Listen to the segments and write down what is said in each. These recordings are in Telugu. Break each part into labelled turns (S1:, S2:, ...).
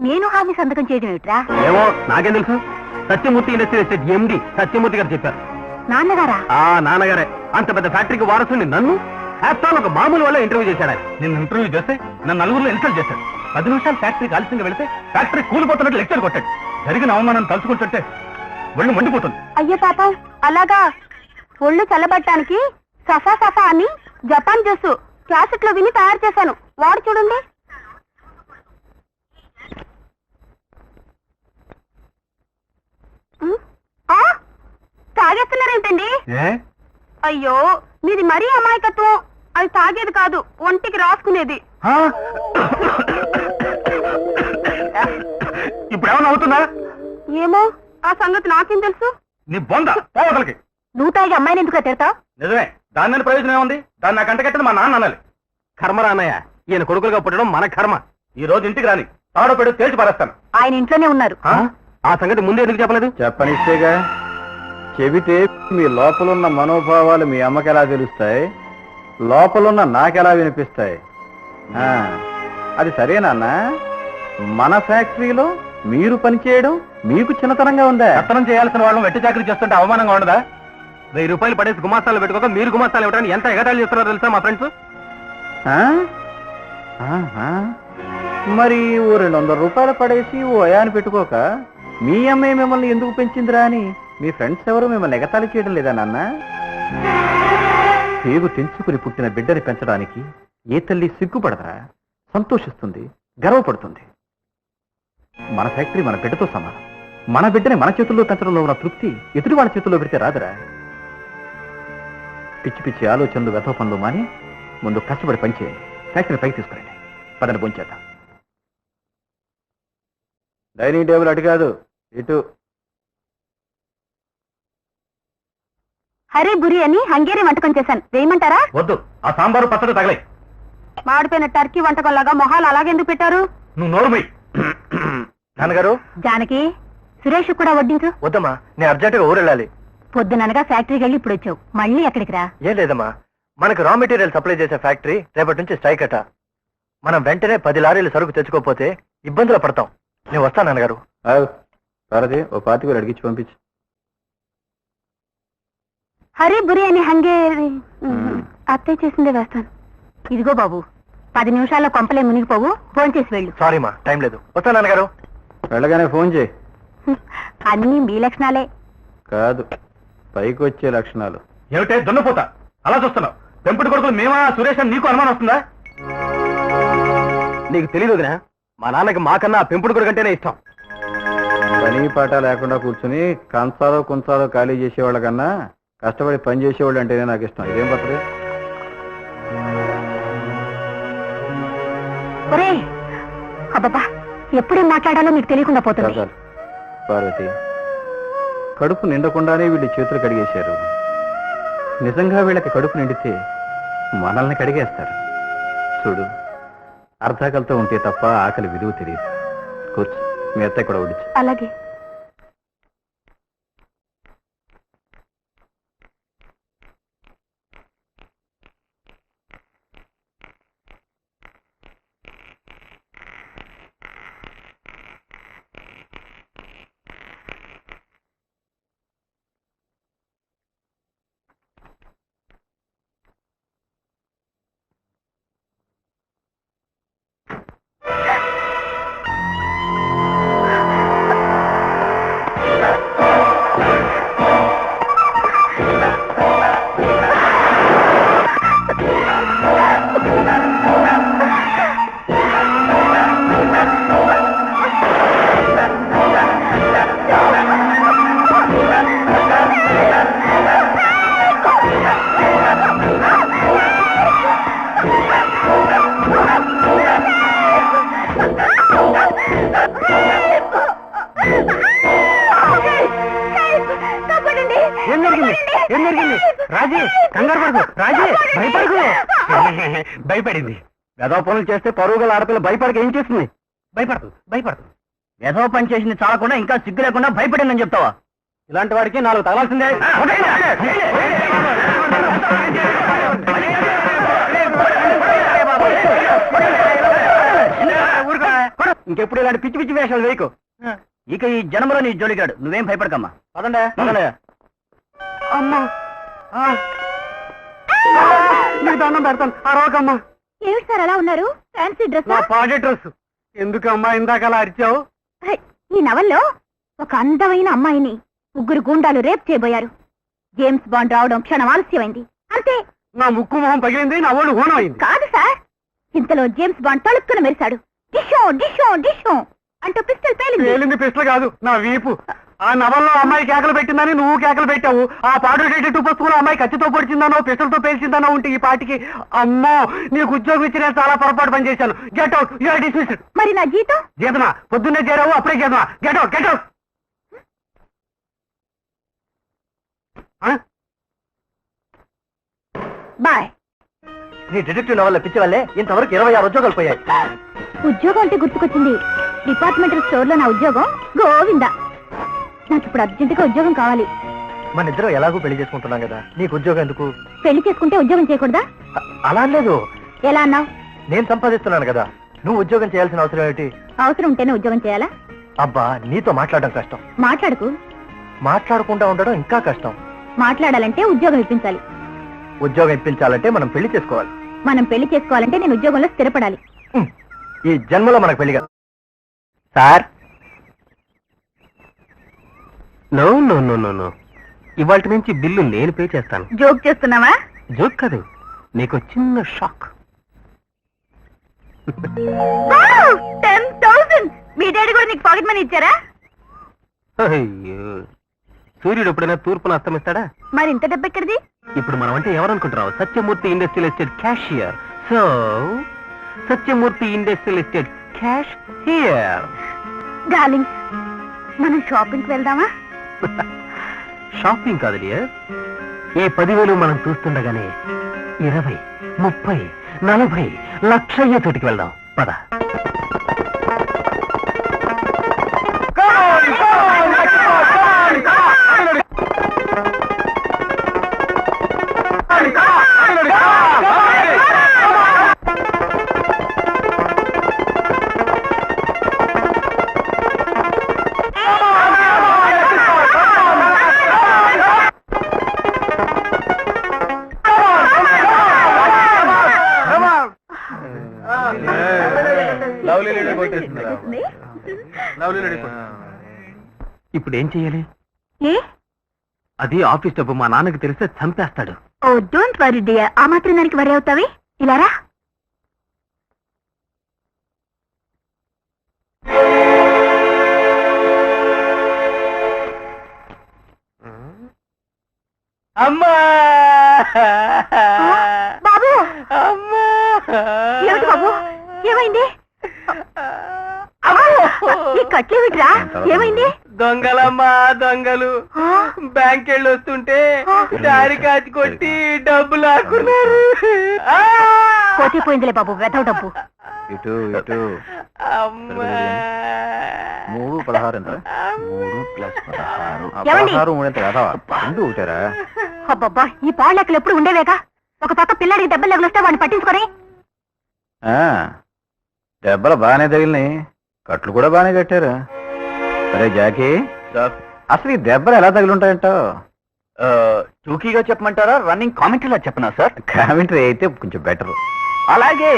S1: నేను హామీ సంతకం చేయడం ఏమిట్రా?
S2: ఏమో నాకేం తెలుసు. Satyamurthy industrial estate MD Satyamurthy garu చెప్పారు.
S1: నాన్నగారా?
S2: నాన్నగారే. అంత పెద్ద ఫ్యాక్టరీకి వారసుని నన్ను ఆఫ్టర్ ఒక మామూలు వల్ల ఇంటర్వ్యూ చేశాడు. నేను ఇంటర్వ్యూ చేస్తే నన్ను నలుగురిలో ఇన్సల్ట్ చేశాడు. 10 నిమిషాలు ఫ్యాక్టరీకి ఆలస్యంగా వెళితే ఫ్యాక్టరీ కూలిపోతున్నట్టు లెక్చర్ కొట్టాడు. జరిగిన అవమానం తలుచుకుంటుంటే ఒళ్ళు మండిపోతుంది.
S1: అయ్యో పాపం, అలాగా? ఒళ్ళు చల్లబట్టడానికి సఫా సఫా అని జపాన్ జ్యూస్ క్యాసెట్ లో విని తయారు చేశాను, వాడు చూడండి. తాగేస్తున్నారేంటండి? అయ్యో, మీది మరీ అమాయకత్వం. అది తాగేది కాదు, ఒంటికి రాసుకునేది.
S2: ఇప్పుడు ఏమన్నా అవుతుందా?
S1: ఏమో, ఆ సంగతి నాకేం తెలుసు.
S2: నీ బొంద పోవతలకి.
S1: నువ్వు తాగి అమ్మాయిని ఎందుకు తిడతావు?
S2: నిజమే, దాని మీద ప్రయోజనం ఏముంది? దాన్ని నా కంట కట్టదు మా నాన్న అనాలి. కర్మ రాన్నయ్య, ఈయన కొడుకులుగా పుట్టడం మన కర్మ. ఈ రోజు ఇంటికి రాని తాడో పెడు తేల్చి పారేస్తాను.
S1: ఆయన ఇంట్లోనే ఉన్నారు.
S2: ఆ సంగతి ముందే ఎందుకు చెప్పలేదు?
S3: చెప్పనిస్తేగా. చెబితే మీ లోపలున్న మనోభావాలు మీ అమ్మకి ఎలా తెలుస్తాయి, లోపలున్న నాకెలా వినిపిస్తాయి? అది సరేనా? మన ఫ్యాక్టరీలో మీరు పనిచేయడం మీకు చిన్నతనంగా ఉందా?
S2: కత్తనం చేయాల్సిన వాళ్ళం వెట్టి చాకరీ చేస్తుంటే అవమానంగా ఉండదా? 1000 రూపాయలు పడేసి గుమాస్తాలు పెట్టుకోక మీరు గుమాస్తాలు ఇవ్వడానికి ఎంత ఎగతాళి చేస్తున్నారో తెలుసా మా ఫ్రెండ్స్?
S3: మరి ఓ 200 రూపాయలు పడేసి ఓ అయాన్ని పెట్టుకోక మీ అమ్మాయి మిమ్మల్ని ఎందుకు పెంచిందిరా అని మీ ఫ్రెండ్స్ ఎవరు మిమ్మల్ని ఎగతాళి చేయడం లేదా నాన్న? పేగు తెంచుకుని పుట్టిన బిడ్డని పెంచడానికి ఏ తల్లి సిగ్గుపడదరా? సంతోషిస్తుంది, గర్వపడుతుంది. మన ఫ్యాక్టరీ మన బిడ్డతో సమానం. మన బిడ్డని మన చేతుల్లో పెంచడంలో ఉన్న తృప్తి ఎదుటి వాళ్ళ చేతుల్లో పెడితే రాదురా? పిచ్చి పిచ్చి ఆలోచనలు, వ్యథ పనులు మాని ముందు కష్టపడి పనిచేయండి. ఫ్యాక్టరీ పైకి తీసుకురండి. పదని పొంచేద్దాం. డైనింగ్ టేబుల్ అటు కాదు, ఇటు.
S1: హరే బురి అని హంగేరీ వంటకం చేశాను, వేయమంటారా?
S2: వద్దు, ఆ సాంబారు పచ్చడి తగలే.
S1: మాడిపోయిన టర్కీ వంటకంలాగా మొహాలు అలాగెందుకు పెట్టారు?
S2: నువ్వు నోరుమై. నాన్నగారు,
S1: జానకి, సురేష్ కూడా వడ్డించు.
S2: వద్దమ్మా, నేను అర్జెంటుగా ఊరెళ్ళాలి.
S1: పొద్దుననగా ఫ్యాక్టరీకి వెళ్ళి ఇప్పుడు వచ్చావు, మళ్ళీ ఎక్కడికి రా?
S2: ఏం లేదమ్మా, మనకు రా మెటీరియల్ సప్లై చేసే ఫ్యాక్టరీ రేపటి నుంచి స్ట్రైక్ అట. మనం వెంటనే 10 లారీలు సరుకు తెచ్చుకోకపోతే ఇబ్బందులు పడతాం. నేను వస్తాను నాన్నగారు.
S3: పార్వతి, ఓ 25 అడిగించి పంపించు.
S1: హరే బురి అని హంగేరీ అత్తయ్య చేసిందే వేస్తాను. ఇదిగో బాబు, 10 నిమిషాల్లో కొంపలే మునిగిపోవు, ఫోన్ చేసి వెళ్ళు.
S2: సారీ మా, టైం లేదు. వస్తాను నాన్నగారు.
S3: వెళ్ళగానే ఫోన్ చేయి.
S1: అన్నీ మీ లక్షణాలే
S3: కాదు, పైకి వచ్చే లక్షణాలు.
S2: ఏమిటే దున్నపోతా అలా చూస్తున్నావు? పెంపుడు కొడుకులు మేమా సురేష్ అని నీకు అనుమానం వస్తుందా? నీకు తెలియదు వదినా, మా నాన్నకి మాకన్నా పెంపుడు కొడుకు అంటేనే ఇష్టం.
S3: పని పాట లేకుండా కూర్చుని కంచాలో కుంచాలో ఖాళీ చేసేవాళ్ళ కన్నా కష్టపడి పని చేసేవాళ్ళు అంటేనే నాకు ఇష్టం. ఇదేం పత్రి?
S1: ఒరే అబ్బబ్బా, ఎప్పుడేం మాట్లాడాలో మీకు తెలియకుండా పోతుంది.
S3: పార్వతి, కడుపు నిండకుండానే వీళ్ళు చేతులు కడిగేశారు. నిజంగా వీళ్ళకి కడుపు నిండితే మనల్ని కడిగేస్తారు. చూడు, అర్ధాకలతో ఉంటే తప్ప ఆకలి విలువ తెలియదు. కూర్చు, మీ అత్తయ్య కూడా వడ్డించు.
S1: అలాగే.
S2: రాజీ, కంగారు పడకు. రాజీ, భయపడకు. భయపడింది. వెధవ పనులు చేస్తే పరుగుల ఆడపిల్ల భయపడక ఏం చేస్తుంది? భయపడదు, భయపడదు. వెధవ పని చేసింది చాలకుండా ఇంకా సిగ్గు లేకుండా భయపడిందని చెప్తావా? ఇలాంటి వాడికి 4 తగలాల్సిందే. ఊరుకో. ఇంకెప్పుడు ఇలాంటి పిచ్చి పిచ్చి వేషాలు వేయకు. ఇక ఈ జన్మలో నీ జోలిగాడు. నువ్వేం భయపడకమ్మా. పదండే పదండే. అమ్మా నీకు దండం పెడతాను. అరవకమ్మా.
S1: ఏమిటి సార్ అలా ఉన్నారు? Fancy dress?
S2: నా పాడే డ్రెస్. ఎందుకమ్మా ఇందాక అలా అరిచావు?
S1: ఈ నవల్లో ఒక అందమైన అమ్మాయిని 3 గూండాలు రేప్ చేయబోయారు. జేమ్స్ బాండ్ రావడం క్షణం ఆలస్యమైంది అంతే.
S2: నా ముక్కు మొహం పగిలింది, నా ఒళ్ళు హోనం అయింది.
S1: కాదు సార్, ఇంతలో జేమ్స్ బాండ్ తలుక్కున మెరిశాడు. డిషో డిషో డిషో అంటూ పిస్టల్ పేలింది.
S2: పేలింది పిస్టల్ కాదు, నా వీపు. ఆ నవల్లో అమ్మాయి కేకలు పెట్టిందని నువ్వు కేకలు పెట్టావు. ఆ పాడు డిటెక్టివ్ పుస్తకంలో అమ్మాయి కత్తితో పొడిచిందానో పిస్టల్తో పేల్చిందానో ఉంటే ఈ పాటికి అమ్మో నీకు ఉద్యోగం ఇచ్చి నేను చాలా పొరపాటు పని చేశాను. Get out, you are dismissed.
S1: మరి నా జీతం?
S2: జీతనా? పొద్దున్నే చేరావు, అప్పుడే జీతనా? Get out, get out.
S1: Boy.
S2: నీ డిటెక్టివ్ నవల్ల పిచ్చి వల్లే ఇంతవరకు 26 ఉద్యోగాలు పోయాయి.
S1: ఉద్యోగం అంటే గుర్తుకొచ్చింది. డిపార్ట్మెంటల్ స్టోర్ లో నా ఉద్యోగం గోవిందా. నాకు ఇప్పుడు అర్జెంటుగా ఉద్యోగం కావాలి.
S2: మన ఇద్దరం ఎలాగో పెళ్లి చేసుకుంటున్నాం కదా, నీకు ఉద్యోగం ఎందుకు?
S1: పెళ్లి చేసుకుంటే ఉద్యోగం చేయకూడదా?
S2: అలా లేదు.
S1: ఎలా అన్నావు?
S2: నేను సంపాదిస్తున్నాను కదా, నువ్వు ఉద్యోగం చేయాల్సిన అవసరం ఏమిటి?
S1: అవసరం ఉంటేనే ఉద్యోగం చేయాలా?
S2: అబ్బా నీతో మాట్లాడడం కష్టం.
S1: మాట్లాడుకు.
S2: మాట్లాడకుండా ఉండడం ఇంకా కష్టం.
S1: మాట్లాడాలంటే ఉద్యోగం ఇప్పించాలి.
S2: ఉద్యోగం ఇప్పించాలంటే మనం పెళ్లి చేసుకోవాలి.
S1: మనం పెళ్లి చేసుకోవాలంటే నేను ఉద్యోగంలో స్థిరపడాలి.
S2: ఈ జన్మలో మనకు పెళ్లి కాదు. Sir no no no no no, ఇవాళ నుంచి బిల్లు నేను పే చేస్తాను.
S1: జోక్ చేస్తున్నావా?
S2: జోక్ కాదు, నీకు చిన్న షాక్.
S1: 10,000. మీ డాడీ కూడా నీకు పాకెట్ మనీ ఇచ్చారా?
S2: అయ్యో, సూర్యుడు ఎప్పుడైనా తూర్పును అస్తమిస్తాడా?
S1: మరి ఇంత డబ్బు ఎక్కడిది?
S2: ఇప్పుడు మనం అంటే ఎవరనుకుంటున్నావు? Satyamurthy industrial estate cashier. So Satyamurthy industrial estate cash here.
S1: Darling, మనం షాపింగ్కి వెళ్దామా?
S2: షాపింగ్ కాదు డియర్, ఈ 10,000 మనం చూస్తుండగానే 20, 30, 40 లక్ష అయ్యే చోటికి వెళ్దాం. పద. ఇప్పుడు ఏం చెయ్యాలి?
S1: ఏ?
S2: అది ఆఫీస్ డబ్బు, మా నాన్నకి తెలిస్తే చంపేస్తాడు.
S1: Oh don't worry dear. ఆ మాత్రం దానికి వరీ అవుతావి? ఇలా రా.
S2: అమ్మా
S1: బాబు,
S2: అమ్మా,
S1: ఏమిటి బాబు, ఏమైంది? ఈ కట్లేమిట్రా? ఏమైంది?
S2: దొంగలమ్మా దొంగలు. బ్యాంక్ వెళ్ళి వస్తుంటే దారి కాచి కొట్టి డబ్బు లాక్కున్నారు.
S1: పోతే పోయిందిలే బాబు, వెతవ డబ్బు.
S3: ఇటు ఇటు.
S2: అమ్మా
S3: 3 16 ఎంత? 3 + 16.
S1: ఏమండి?
S3: 16 3 ఎంత కదా? ఎందుకు ఊటారా?
S1: అబ్బబ్బా, ఈ పాళ్ళెక్కలు ఎప్పుడు ఉండేవేగా. ఒక పక్క పిల్లాడికి దెబ్బలు వస్తే వాడిని పట్టించుకొని.
S3: దెబ్బలు బాగానే తగిలినాయి, కట్లు కూడా బాగానే కట్టారు. సరే జాకీ, అసలు ఈ దెబ్బలు ఎలా తగిలింటాయంటావు?
S2: టూకీగా చెప్పమంటారా, రన్నింగ్ కామెంటరీలా చెప్పనా సార్?
S3: కామెంటరీ అయితే కొంచెం బెటర్.
S2: అలాగే.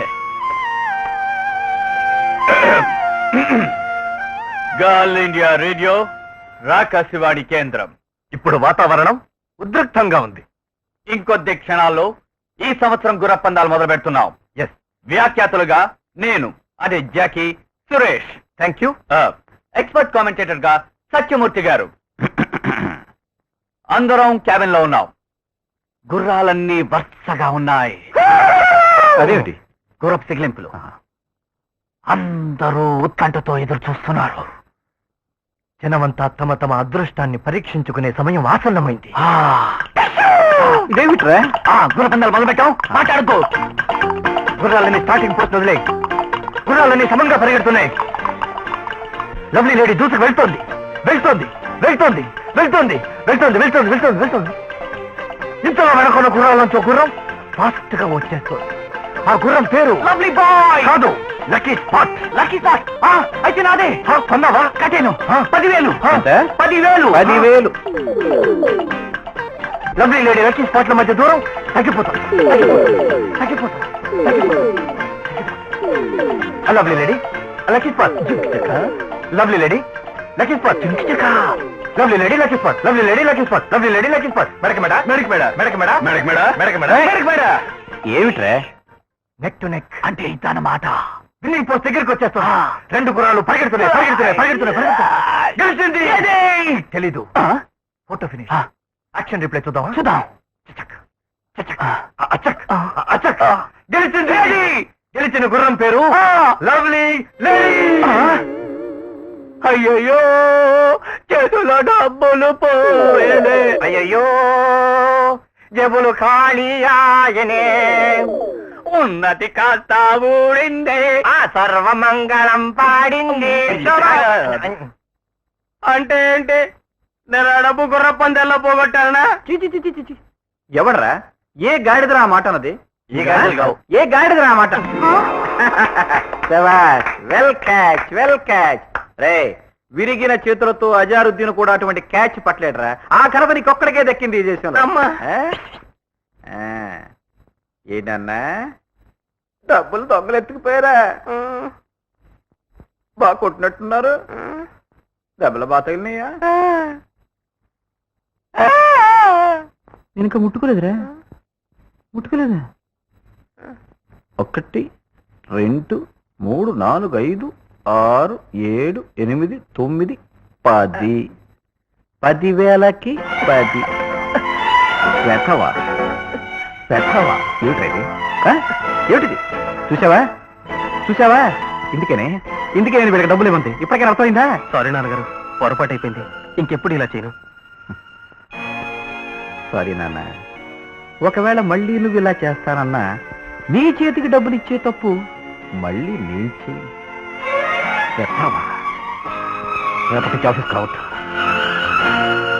S2: గర్ల్ ఇండియా రేడియో, రాకాశవాణి కేంద్రం. ఇప్పుడు వాతావరణం ఉద్రిక్తంగా ఉంది. ఇంకొద్ది క్షణాల్లో ఈ సంవత్సరం గుర్రపందాలు మొదలు పెడుతున్నాం. ఎస్, వ్యాఖ్యాతలుగా నేను, అదే Jackie, Suresh. Thank you. Expert commentator గా సత్యమూర్తి గారు. అందరం క్యాబిన్ లో ఉన్నాం. గుర్రాలన్నీ వరుసగా ఉన్నాయి.
S3: అదేమిటి?
S2: గుర్రపు సిగ్లింపులు. అందరూ ఉత్కంఠతో ఎదురు చూస్తున్నారు. జనమంతా తమ తమ అదృష్టాన్ని పరీక్షించుకునే సమయం ఆసన్నమైంది.
S3: ఇదేమిట్రా?
S2: గుర్రపందాలు మొదలుపెట్టాం. మాట్లాడుకో. గుర్రాలని స్టార్టింగ్ పోస్ట్ వదిలే. గుర్రాలన్నీ సమంగా పరిగెడుతున్నాయి. లవ్లీ లేడీ దూసుకు వెళ్తోంది, వెళ్తోంది, వెళ్తోంది, వెళ్తోంది, వెళ్తోంది, వెళ్తోంది, వెళ్తోంది, వెళ్తోంది. ఇంతలో వెనకున్న గుర్రాల నుంచి గుర్రం ఫాస్ట్ గా వచ్చేస్తుంది. ఆ గుర్రం పేరు లవ్లీ బాయ్ కాదు, లక్కీ స్పాట్ లక్కీ స్పాట్ అయితే నాదే కొన్నావా కట్టాను 10,000 10,000
S3: 10,000
S2: లవ్లీ లేడీ లక్కీ స్పాట్ల మధ్య దూరం తగ్గిపోతాం lovely lady lucky spot lovely lady lucky spot lovely lady lucky spot lovely lady lucky spot lovely lady lucky spot మెడక మెడ ఏమిట్రా నెక్ టు నెక్ అంటే ఇదన్నమాట విన్నింగ్ పోస్ట్ దగ్గరికి వచ్చేస్తా 2 గుర్రాలు పరిగెడుతున్నాయి తెలీదు ఫోటో ఫినిష్ యాక్షన్ రిప్లై చూద్దాం గెలిచిన గుర్రం పేరు లవ్లీ లేడీ అయ్యయ్యో చేతుల డబ్బులు పోయనే అయ్యయ్యో జబులు ఖాళీయాయనే ఉన్నతి కాస్త ఊడిందే ఆ సర్వమంగళం పాడింది అంటే ఏంటి నేను డబ్బు గుర్ర పందెల్లో పోగొట్టానా
S3: ఎవడరా ఏ గాడిదరా ఆ మాట అన్నది
S2: ఏ గాడిదరా
S3: ఆ మాట వెల్ క్యాచ్ రే విరిగిన చేతులతో అజారుద్దీన్ కూడా అటువంటి క్యాచ్ పట్టలేడరా ఆ ఘనత నీకొక్కడికే దక్కింది ఈ దేశంలో ఏంటన్నా డబ్బులు దొంగలు ఎత్తుకుపోయారా బాగా కొట్టినట్టున్నారు దెబ్బల బాగా తగిలినాయా నేను ఇంకా ముట్టుకోలేదురా 1 2 3 4 5 6 7 8 9 10 10,000కి 10 వెతవా ఏమిటిది చూసావా ఇందుకే నేను వీళ్ళకి డబ్బులు ఇవ్వండి ఇప్పటికైనా అర్థమైందా
S2: సారీ నాన్నగారు పొరపాటు అయిపోయింది ఇంకెప్పుడు ఇలా చేయను
S3: సారీ నాన్న ఒకవేళ మళ్ళీ నువ్వు ఇలా చేస్తానన్నా నీ చేతికి డబ్బులు ఇచ్చే తప్పు మళ్ళీ నీ చేయి రేపటి ఆఫీస్ కావచ్చు